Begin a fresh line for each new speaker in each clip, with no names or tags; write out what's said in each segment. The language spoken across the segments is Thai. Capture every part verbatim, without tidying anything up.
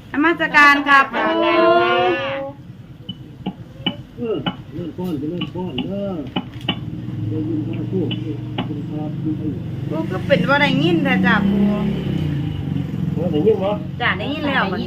นมัสการครับปู
เออเล่นก้อนจะเล่นก้อนเด้อเดี๋ยวยินมาพูดคุณครับคุณไอ้
ปูก็เป็นว่าได้ยินแต่จ้าปู
ว่าได้ยินมั้ย
จ้าได้ยินแล้วบัดนี้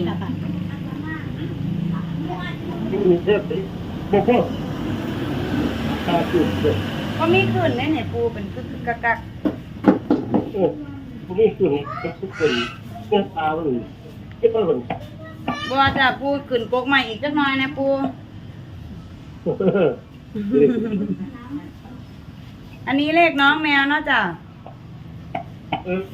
ยินมีเทปสิบ่พอตาจุดเด้อ
ก็มีขึ้นในเนี่ยปูเป็นกึกกึกกักกัก
โอ้พวกนี้คือนี่ทุกคนเส้นตามันเก็บไว้มัน
บ่จ้าปูขึ้นกกใหม่อีกจักหน่อยนะปูอันนี้เลขน้องแมวเนาะจ้า
เออ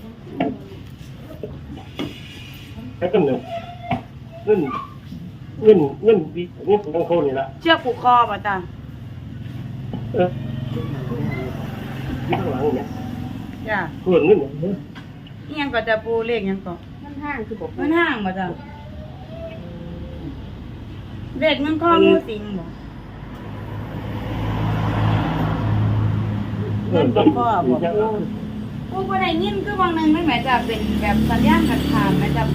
ไอ้กันเนี่ยเงินเงินเงินดีนี่ของเขานี่ละ
เชือกผูกคอป่ะจ้า
เออที่ข้างหลังเนี่ย
จ้า
ส่วนเงินเนี่ย
อีหยังก็จะปูเลขหยังก็
มันห้างคือบอก
มันห้างป่ะจ้าเลขมันข้องูสิงบ่
เงินต้องพ่อบอก
ปูบ่ได้ยินคือบางนึงไม่แม่จ้าเป็นแบบสัญญาณขาดขาดแม่จ้าปู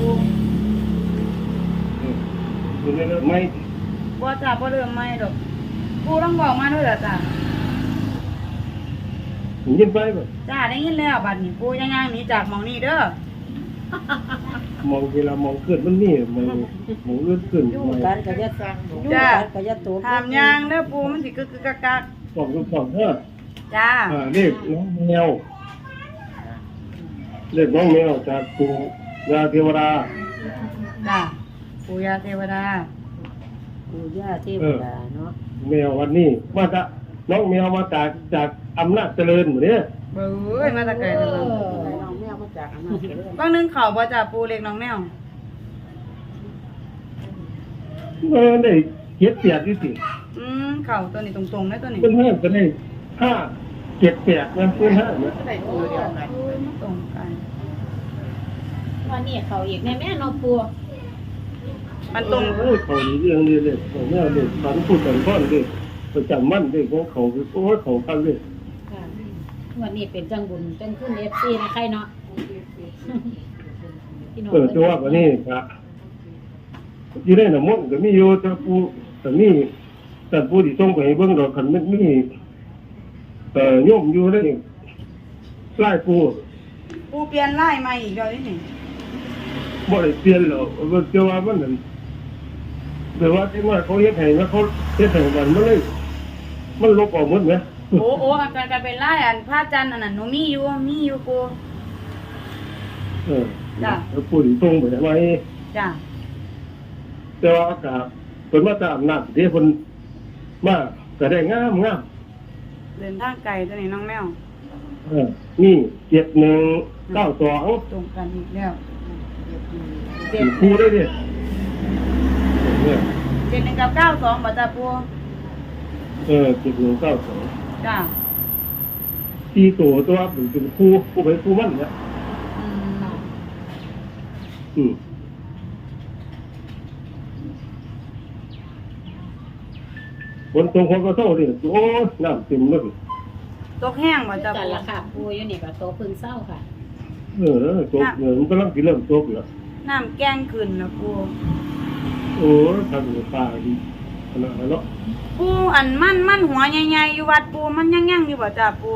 คือไม่
บ่จ้าบ่เริ่มใหม่ดอกปูต้องบอกมาด้วยล่ะจ้า
ยินไปบ่
จ้าได้ยินแล้วบัดนี้ปูย่างๆหนีจากหม่องนี้เด้อ
มองเวลามองขึ้นมันนี่มองมองเลื่อนขึ้น
ยู่
มอง
กันกับยะตังยู่กันกับยะตัว
ถามย่างเด้อปูมันสิกึกกึกกักกัก
สองสองเด้อ
จ้า
อ่าเรียกน้องแมวเรียกน้องแมวจากปู่ย่าเทวดา
จ้าปูยาเทวดา
ปู่ย่าเทวดาเนาะ
แมววันนี้มาจากน้องแมวมาจากจากอำนาจเจริญหมดเนี่ย
เบ้ยมาแตะไกลจังเลย
น้องแมวมาจากอำนาจเจริญ
บางนึงเขาบ่จ้าปูเล็กน้องแมว
เออได้เจ็ดเปียกที่สิ
อืมเขาตัวนี้ตรงๆนะตัวนี้
เป็นห้าก็ได้ห้าเจ็ดเปียกนะเป็นห้านะ
ได้ตัวเดียวกัน
โอ้ยมันตรงกัน
วันนี้เขาอีกแม่แม่นอปู
มันตรง
เออเขานี่เรื่องนี้เลยเขาแม่เลยฝันพูดกันพ่อนเลยประจำมั่นเลยของเขาคือโอ้เขากันเลย
ค่ะวันนี้เป็นจังบุญจังขึ้นเอฟซีนะใครเนาะพี่น้อง
เออจะว่าวันนี้ครับอยู่ในน้ำมันก็มีอยู่แต่ผู้แต่มีแต่ผู้ที่ส่งไปให้เบิ่งดอกคันมันมีเอ่อโยมอยู่ในไล่ปู
ปูเปลี่ยนไล่ใหม่อีกแล้วนี่
บ่ได้เปลี่ยนหรอกว่าจะว่ามันนั่นแต่ว่าที่ว่าเขาเฮ็ดให้นะเขาเฮ็ดให้มันมันเลยมันลบออกหมดไหม
โอ้โอ้อาการการเป็นไล่อันพระจันทร์อันนั้นหนูมีอยู่มีอยู่ปู
เออ
จ้ะ
แล้วผู้ที่ส่งไปให้ไว้
จ้า
แต่ว่าอากาศเพิ่นมาตามอำนาจที่เพิ่นมาก็ได้งามงาม
เดินทางไกลตัวนี้น้องแมว
เออนี่เจ็ดหนึ่งเก้าสอง
ตรงกันอีกแล้ว
เจ็ดคู่ได้ดิเนี่ย
เจ็ดหนึ่งกับเก้าสองบ่จ้าปู
เออเจ็ดหนึ่งเก้าสอง
จ้า
ที่ตัวตัวเป็นเป็นคู่คู่ไปคู่มันเนี่ย
อืม
อืมบนตรงคนก็เท่าดิโอ้น้ำเต็มเลย
ตกแห้งบ่จ้า
จัน
ปู
ละค่ะปูอยู่นี่ก็โตพึ่งเศร้าค่ะ
เออตกเนี่ยมันกำลังกินเริ่มตกอยู่
น้ำแกงขึ้นนะปู
โอ้ทำอยู่ป่าดีขนาดนั้นเนาะ
ปูอันมันมันหัวใหญ่ๆอยู่วัดปูมันยังยังอยู่บ่จ้าปู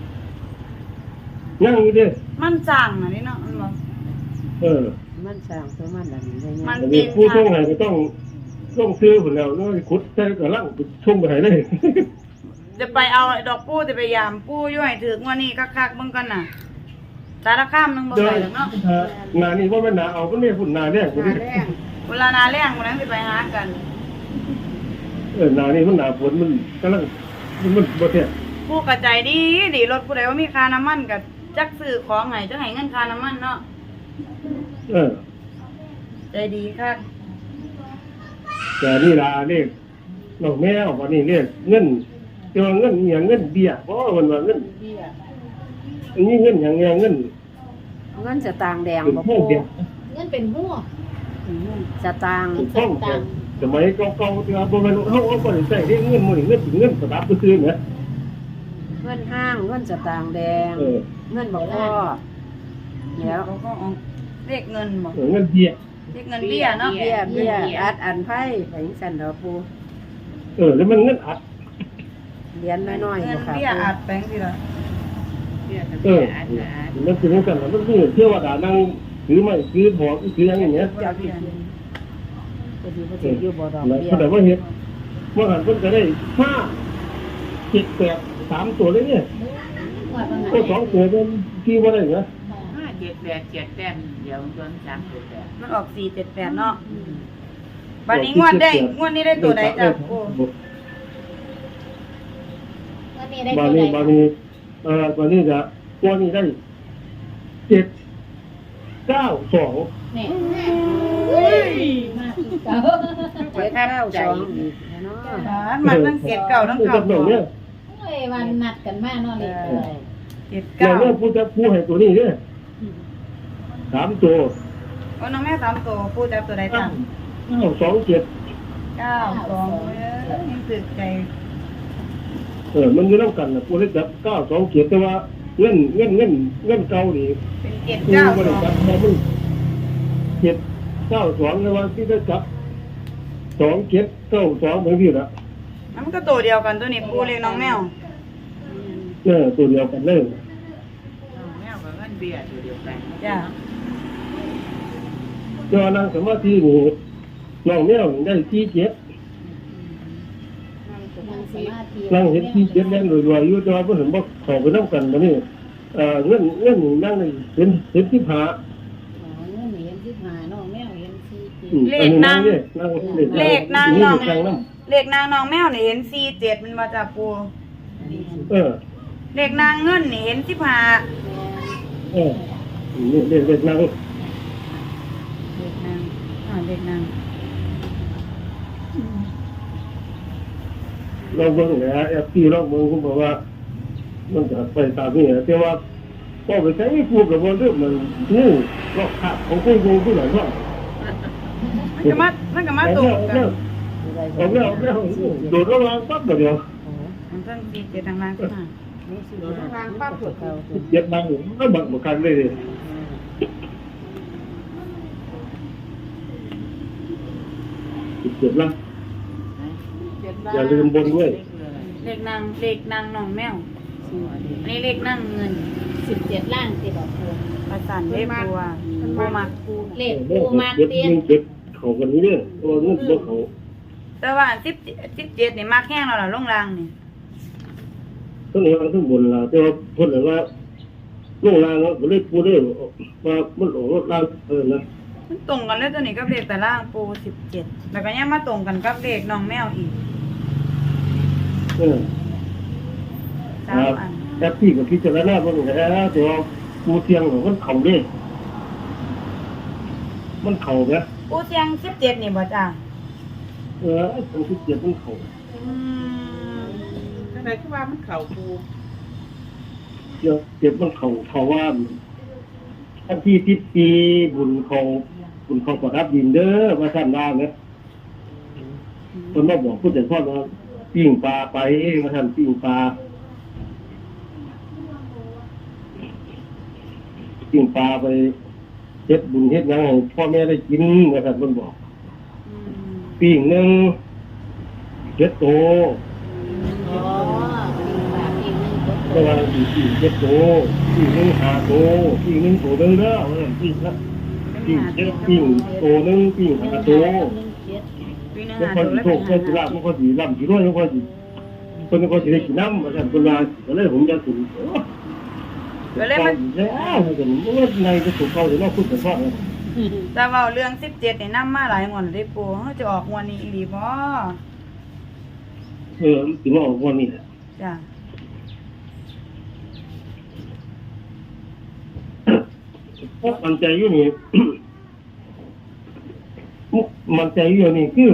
ยังอยู่ดิ
มันสั่งอันนี้เนาะมันบ่
เออ
มันสร้างตัวมันอะไรอย่างเงี้ย
มัน
อัน
เป็
นี้
น
ผู้ช่วงไหนก็ต้องต้องซื้อผลแล้วแล้วขุดใส่กระลังช่วงไปไหนเลย
จะไปเอาไอ้ดอกปูจะไปยามปูอยู่ให้ถึงวันนี้คักๆเบิ่งกันน่ะสารคามนึงบ่
เดิ
ไป
น
หรอกเนาะ
นานี่ว่าไม่นาเอาก็เนี่ยฝุ่นนาแรกกูดิ
เวลาหนาแรงมื้อนั้นสิไปหากัน
เออนานี่มันหนาฝนมันกำลังมันมันบ่แท้
ผู้กระใจดีดีรถผู้ใดว่ามีค่าน้ำมันก็จักซื้อของให้จักให้เงินค่าน้ำมันเนาะ
เออ
ใจดีคัก
แต่นี่ลาเลขน้องแมววันนี้เลขเงินเจอเงินอหย่างเงินเบี้ยเพราะมันว่าเงินอันนี้เงินอย่างเงี้ยเงิน
เงินจะตางแดง
เป็น
บ่
ห้อ
ปู
งเดียว
เงินเป็นหัว
จะตาง
เป็นห้องเดียวสมัยเก่าๆที่ว่าบ่แม่นเฮาเอาบ่ได้ใช้ได้เงินมื้อนี้เงินเป็นเงินสำหรับซื้อๆเนี่ย
เงินห้างเงินจะตางแดง
เออ
เงินบ่พอแล้ว
เขาก็เอาเลขเงินบ่
เออเงินเบี้ย
เรียกเงินเบี้ยเนาะ
เบี้ยเบี้ยอัดอันไผ่ไปจังซั่นดอกปู
เออแล้วมันเงินอัด
เหรียญน้อยๆ
เงิ
บ่
น
ค่ะ
เบี้ยอัดแบงค์ทีละ
เออมันเป็นเรื่องกันแล้วมันคือเชื่อว่าด่านั่งถือไม้ถือบอกถืออย่างเงี้ย
เจ้าที่จะดีบ่สิอยู่บ่ดอก
แล้ว
เบี้ย
แต่ว่าเห็นว่าหันเพิ่นจะได้ห้าเจ็ดแปดสามตัวเลยเนี่ย
ว่าบาง
ก็สองตัวเป็นที่ว่าได้เหรอ
ห้าเจ็ดแปดเจ็ดแต้มเดี๋ยวจนสามตัวแปด
มันออกสี่เจ็ดแปดเนาะวันนี้งวดได้งวดนี้ได้ตัวใดจ้ะปู
วันนี้ได้
บา
ตัว
นี้
ใด
บานี้เอ่อวันนี้จะวันนี้ได้เจ็ดเก้าสอง
นี่มากคือเก่า
เจ็ดเก้าสองอีกเนาะ
มันทั้งเจ็ดเก่าทั้ง
เก้า
เก่า
สองเนี่ย
โอ้ยวันนัดกันมาเนาะเลย
เจ็ด
เดี๋ย
เก้าว
เนี่ยผู้จะผู้ให้ตัวนี้เนี่ยสามตัว
โอ้น้องแม่สามตัวปูจับตัวใดจ้ะ
เก้าสองเจ็ด
เก้าสองเอ้ยยังตื่นใจ
เออมันอยู่น้ำกันนะผู้เล็กจับเก้าสองเจ็ดแต่ว่าเงินเงินเงินเงินเก่านี่
เป็นเจ็ด
คือ
เก้า
บ
ส
ริ
อง
ษัทแต่มันเจ็ดเก้าสองแต่ว่าที่ได้จับสองเจ็ดเก้าสองเหมือนพี่ละ
มันก็ตัวเดียวกันตัวนี้ปูเรียกน้องแมว
เออตัวเดียวกันเลย
แมวกับเงินเบี้ยตัวเดียวกัน
จ้ะ
เจ้านั่งสมาธินี่น้องแมวนี่ได้ที่เจ็ด
นั่งสมาธิ
นั่งเห็นที่เจ็ดแน่นรวยๆอยู่แต่ว่าเพิ่นเห็นบ่เข้าไปน้ำกันมานี่เอ่อเงินเงินนี่นั่งนี่เห็นเห็นที่ผา
อ๋อเงินเห็นสิบห้าน้องแมวเห็นสี่สิบ
อืม
เล
อั
ขนาง
เนี่ยนั่ง
เลขนาง
นี่
น้อง
เลขนางน้
เลขนางน้องแมวนี่เห็นสี่เจ็ดมันมาจากปู
ำเออ
เลขนางเงินนี่เห็นสิบห้า
เออนี่เลขเลขนาง
เลขนางอ่าเลขนาง
เราเบิ่งแหละแอปที่เราเบิ่งคุณบอกว่า มันจะไปตามนี้นะแต่ว่าพอไปใช้พูดกับว่าเรื่องมันงูรอบขาของคนงูผู้ไหนว่า
มันก็มามันก็มาตรงกัน
เอาแล้วเอาแล้วโดดระวางปั๊บเดียว
มันทั้งสี่เจ็ดทางล่างขึ้นมา
ทางปั๊บตัวเก่า
เจ็บดังก็บังเหมือนกันเลยเจ็บละอย่าลืมบนด้วย
เลขนางเลขนางน้องแมวอันนี้เลขนางเงิน
สิบเจ็ดล่างติดดอกปู
ประสานเลขบัวปูมัก
เลขปูมาก
เจ็บ
เตี้ย
เจ็บเขากันนี้เนี่ยตัวเงินตัวเขา
แต่ว่าสิบสิบเจ็ดนี่มักแห้งแล้วล่ะลงรางนี่
ทั้งหลังทั้งบนละแต่ว่าคนไหนว่าลงรางแล้วก็เลยพูดได้ว่ามันหลงรถรางเออนะ
มันตรงกันเลยตัวนี้กับเลขแต่ล่างปูสิบเจ็ดแล้วก็ยังมาตรงกันกับเลขน้องแมวอีก
เออ
สามอัน
แอปที่กับพิจารณาบ้างแล้วแต่ว่าปูเทียงมันเข่าเด้มันเข่าไหม
ปูเสียงสิบเจ็ดนี่บ่จ้า
เออตรงที่เจ็บมันเข่า
อืม
อะไรก็ว่ามันเข่าปู
เจ็บเจ็บมันเข่าเข่าว่าท่านที่ทิศปีบุญเขาบุญเขาประดับดินเด้อมาท่านว่าเนี่ยคนมาบอกผู้จัดพ่อว่าปิ้งปลาไปมาท่านปิ้งปลาปิ้งปลาไปเฮ็ดบุญเฮ็ดหยังให้พ่อแม่ได้กินนะครับมันบอก
อืม
ปิ้งหนึ่งเจ็ดโต
อ๋อปีฝาปีนึงก็
แต่ว่าอีกปิ้งเจ็ดโตปิ้งหนึ่งห้าโตปิ้งหนึ่งโตหนึ่งเด้อว่าซั่นปิ้งละปิ้งเจ็ดปิ้งโตหนึ่งปิ้งห้าโต
ปีหนึง
แล้ว
หา
พอ
ตัว
สิ
แล้ว
โช
เป็นหา
คก็สิลาบมันก็สิร่ำสิรวยมันก็สิคนก็สิได้กินน้ำว่าซั่นเพิ่นว่าก็เลยผมจะถึง
ก็เลยมัน
แล้วว่าซั่นบ่ว่าในจะถูกเขาสิเนาะพูดกันว่า
แต่เว่าเรื่องสิบเจ็ดนี่นำมาหลายงวดเลยปูเฮาจะออกงวดนี้อีหลีบ่
เออสิมาออกวันนี้แหละ
จ้ะ
เพราะมันใจอยู่นี่ มันใจอยู่นี่คือ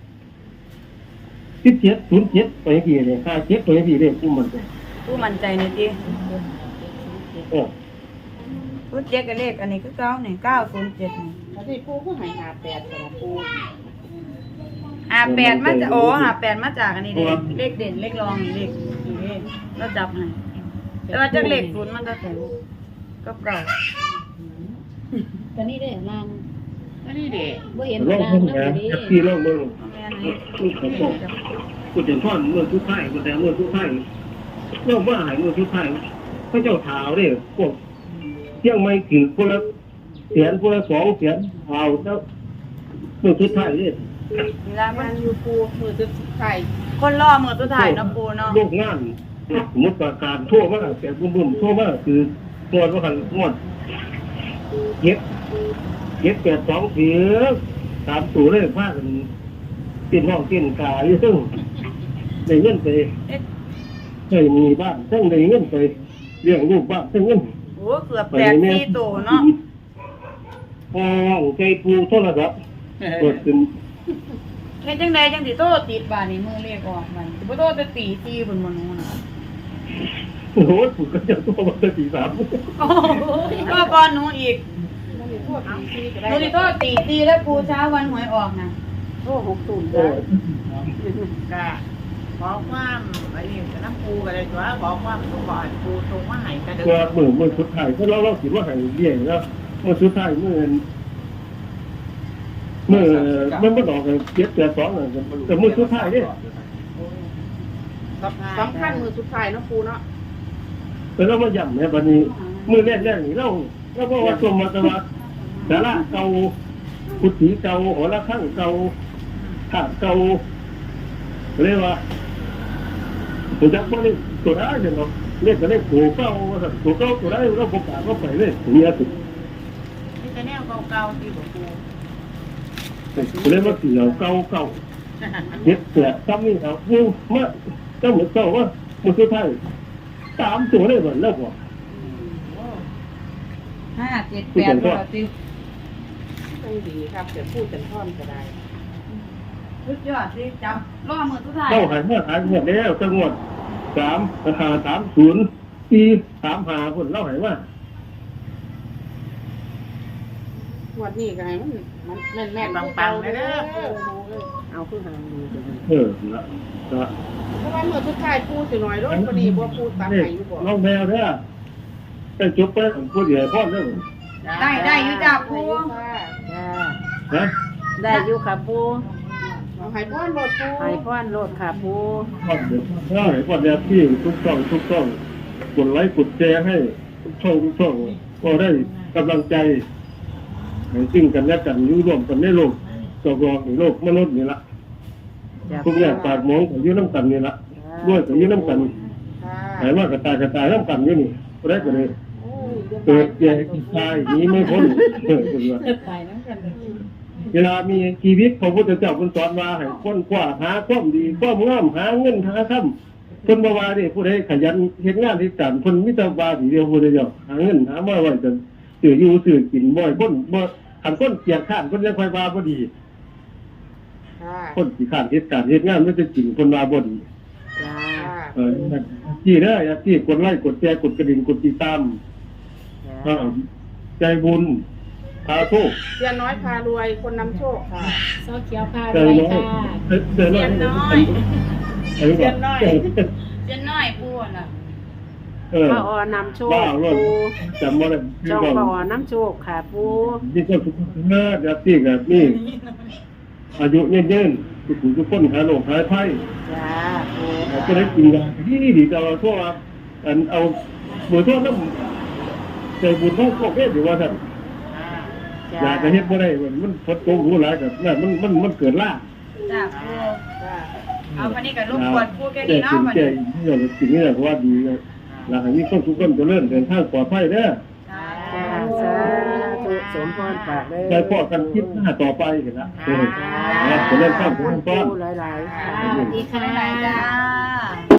สิบเจ็ดศูนย์เจ็ดไปกี่เลยห้าเจ็ดไปกี่เลยกูมันใจ
ปูมั่นใจในติ
เออ
ศูนย์เจ็ดกับเลขอันนี้คือเก้านี่เก้าศูนย์เจ็ดนี่
แล้วที่ปูก็หายหาแปดสำหรับปู
ห้าแปดมาจากโอ้ห้าแปดมาจากอันนี้เด้เลขเด่นเลขรองเลขนี่เด้เราจับให้แต่ว่าจากเลขศูนย์มันจะแข็งก็เก่า
ตัวนี้ได้ล่าง
ต
ก็นี่เด็ก
บ่เห็น
ลอง
นาง
เพิ่ง
นำ
นะ
ดี
แท็กซี่ลองเบิ่ง
แม่นี่
ลูกเขาบอกกูจะท่อนเมื่อทุกไทยกูแต่เมื่อทุกไทยเรื่องว่าหายเมื่อทุกไทยพระเจ้าถาวเนี่ยพวกเที่ยงไม่กี่คนละเสียนคนละสองเสียนเอาแล้วเมื่อทุกไทยเนี่ย
เวลามัน
อยู่ปูมือตึกไข่
คนล่อมือตัวถ่ายเนาะปูเนาะ
โลกงานสมมติประการทั่วมากแต่บุ้มบุ้มทั่วมากคือตัวว่ากันงวดเย็บเย็บแปดสองเสียสามตัวเลยพากันกินห้องกินกายอยู่ซึ่งได้เงินไป
เอ๊ะ
ได้มีบ้านซึ่งได้เงินไปเลี้ยงลูกบ้านซึ่งเงิน
โอ้เกือบแปดสี่ตัวเนาะ
ห้องใจปูโทรศัพท์เปิดเป็น
เฮ็ดจังไดจังสิโตติดบาดนี้มือเลขออกมันสิบ่โตจะตีตีบนมนุษย์น่ะ
โอ้โหถูกกันจะตัวมาตั้งตีสาม
โอ้ก็ก่อนหนูอีก
มันมีโทษทางซีก็
ห
ได้
นูสิโตตีตีแล้วปูเช้าวันหวยออกน่ะ
โทษหกตุ่ม
เอ
ได้
อ
ก็ขอความไอ้นี่น้ำปูกันเลยตัวขอความตัวก่อนปูตรงมาหายกระเดิ
เมื่อเมื่อเมื่อสุดท้ายก็เราเราคิดว่าหายเลี้ยงแล้วเมื่อสุดท้ายเมื่อเมื่อมันไม่ดอกกันเจ็บแต่สองเลยแต่เมื่อสุดท้ายเนี่ย
สำคัญมือสุดท้ายเนาะปูเนาะ
แต่เรามาย่ำเนี่ยวันนี้เมื่อแรกแรกนี่เราเราบอกว่าสมมาตวัดสาระเก่ากุฏิเก่าหอระฆังเก่าถาดเก่าเรียกว่าผมจะบอกนี่ตัวได้เนาะเรียกกันได้ตัวเก่าตัวเก่าตัวได้เราประกาศก็ไปเลยนี่สุด
นี่จะแนวเก่าๆที่บอกปู
เรียกว่าเสียวเก่าเก่าเฮ็ดเสียซ้ำนี่เอาอยู่มาเจ้าเหมือนเก่าว่ามันคือไทยสามตัวได้เหมือนแล้วบ่
ห้าเจ็ดแปดตัวติ
ต้องดีครับเดี๋ยวพูดเป็นท่อนก็ได้
สุดยอดสิจับล่อมือตัวถ่าย
เจ้าหายเมื่อหายเมื่อแล้วจังหวัดสามราคาสามศูนย์ปีสามหาคนเล่าหายว่า
วันนี้ก็ให้มันมันแม่นแม่น
ปังๆเลยเด้อ
เอาคือหางดีจังเลย
เออละละ
เพราะว่ามือสุดท้ายปูสิหน่อยรถพอดีบ่ปูตามไหนอยู่บ่
น้องแมวเนี่ยแต่จบไปผมพูดใหญ่พ่อเรื่อง
ได้ได้อยู่จ้าปู
จ้า
นะ
ได้อยู่ค่ะปูเอาให้พ่อนรถปูให้พ่อนรถค่ะปู
พ่อเดี๋ยวพ่อให้พ่อเดี๋ยวพี่ทุกช่องทุกช่องกดไลค์กดแชร์ให้ทุกช่องทุกช่องก็ได้กำลังใจให้ซึ่งกันและกันอยู่ร่วมกันในโลกตกลงในโลกมนุษย์นี่ละทุกอย่างปากมองกับยุ่น้ำกันนี่ละด้วยกับยุ่น้ำกันหายว่ากระตายกระตายน้ำกันอยู่นี่ก็ได้ก็เลยเกิดแก่ตายนี้ไม่พ้นเออคุณว่า
ไปนำกัน
เวลามีชีวิตพระพุทธเจ้าคุณสอนมาให้ค้นคว้าหาความดีความงามหาเงินหาคำคนบ่ว่านี่ผู้ใดขยันเฮ็ดงานที่การคนมิตรบาสีเดียวผู้ใดเดียวหาเงินหามาไว้จนซื้ออยู่ซื้อกินบ่อยคนบ่คันคนเกียจข้านคนยังค่อยว่าบ่ดี
ค่ะ
คนขี้ข้านเฮ็ดการเฮ็ดงานมันจะจริงคนว่าบ่ดี
จ้า
เออที่เด้ออย่าที่กดไลค์กดแชร์กดกระดิ่งกดติดตามเออใจบุญพาโชค
เสียน้อยพารวยคนนำโชคค่ะ
เสาเขียวพา
ใจ
ด้วย
น้อย
ค่ะ
ใจน้อย
เสียนน้อย
เสียนน้อย
เสียนน้อยปูน่ะ
เออ
ป้าออนำโชค
บ้าเลย
ปู
จำบ่ได้
จอง
บอก
ป้าออนำโชคค่ะปู
นี่ก็ทุกคนเลิศแบบที่แบบนี้อายุเย็นๆทุกคนทุกคนหาโรคหายไข้
จ้าปู
ก็ได้กินยาที่ดีแต่เราทั่วอันเอาเบื่อทั่วน้ำใจบุญของพวกเอ๊ะหรือว่าท่านอยากจะเฮ็ดบ่ได้มันพดโกงรู้หลายกับนั่นมันมันมันเกิดล่า
จ้าปู
จ้า
เอาวันนี้ก็รบกวนปูแค่นี้เนาะวัน
แก่
นี้
ที่เราสิ่งนี้เพราะว่าดีแล้วให้มีคนทุกคนเจริญเดินทางปลอดภัยเด้อ
จ้า
จ้าสาธุสมพรปากเลย
ใจพอกันคิดหน้าต่อไปกันละเออ
จ้า
เจริญข้ามทุกคน
ปูหลายๆค่ะ
สวัสดีค่ะ
บ๊ายบายจ้า